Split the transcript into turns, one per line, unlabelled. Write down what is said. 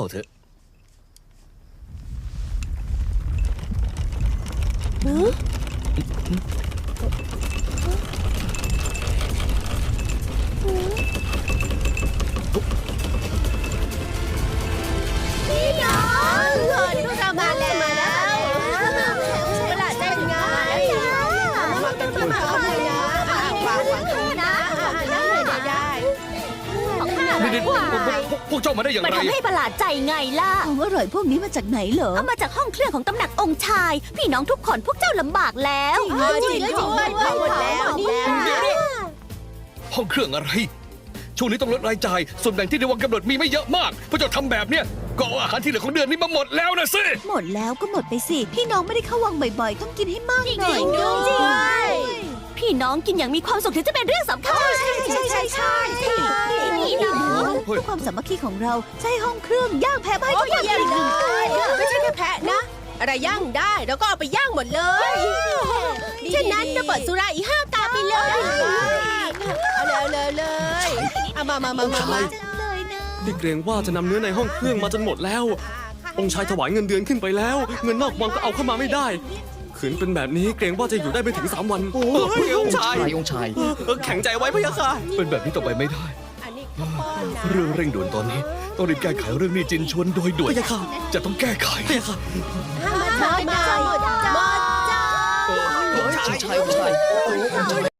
เถอะ
พี่น้องพวกเรามาแล้วประหลาดใจไงมากันที่มาเอาเลยนะวางนะได้
นี่พวกเจ้ามาได้อย่าง
มัน
ไร
ทำให้ประหลาดใจไงล่ะ
ของอร่อยพวกนี้มาจากไหนเหรอ
เอามาจากห้องเครื่องของตำหนักองค์ชาย พี่น้องทุกคนพวกเจ้าลำบากแล้ว
จริงหมดแล้วเนี่ย
ห้องเครื่องอะไร ช่วงนี้ต้องลดรายจ่าย ส่วนแบ่งที่ในวังกำหนดมีไม่เยอะมาก พวกเจ้าทำแบบเนี้ยก็เอาอาหารที่เหลือของเดือนนี้มาหมดแล้วนะสิ
หมดแล้วก็หมดไปสิ พี่น้องไม่ได้เข้าวังบ่อยๆ ต้องกินให้มากหน่อย
พี่น้องกินอย่างมีความสุขถึงจะเป็นเรื่องสำคัญ
ใช่พี่น้องเพื่อความสามัคคีของเราใช้ห้องเครื่องย่างแพะมาให้ทุกอย่างกิน
ไม่ใช่แค่แพะนะ อะไรย่างได้เราก็เอาไปย่างหมดเลยฉะนั้นเราเปิดสุราอีก5 กาไปเลยเอาเลยเอามา
นี่เกรงว่าจะนำเนื้อในห้องเครื่องมาจนหมดแล้ว องค์ชายถวายเงินเดือนขึ้นไปแล้ว เงินนอกวังก็เอาเข้ามาไม่ได้ขืนเป็นแบบนี้เกรงว่าจะอยู่ได้ไม่ถึง3 วันองค์ชาย
องค์ชาย
แข็งใจไว้พะยะค่ะ
เป็นแบบนี้ต่อไปไม่ได้
อันนี้ข้าวป้อนนะ
เรื่องเร่งด่วนตอนนี้ ต้องรีบแก้ไขเรื่องหนี้จินชวนโดยด่วน
พะยะค่ะ
จะต้องแก้ไข
พะยะค่ะ
หมดจ้า
องค์ชาย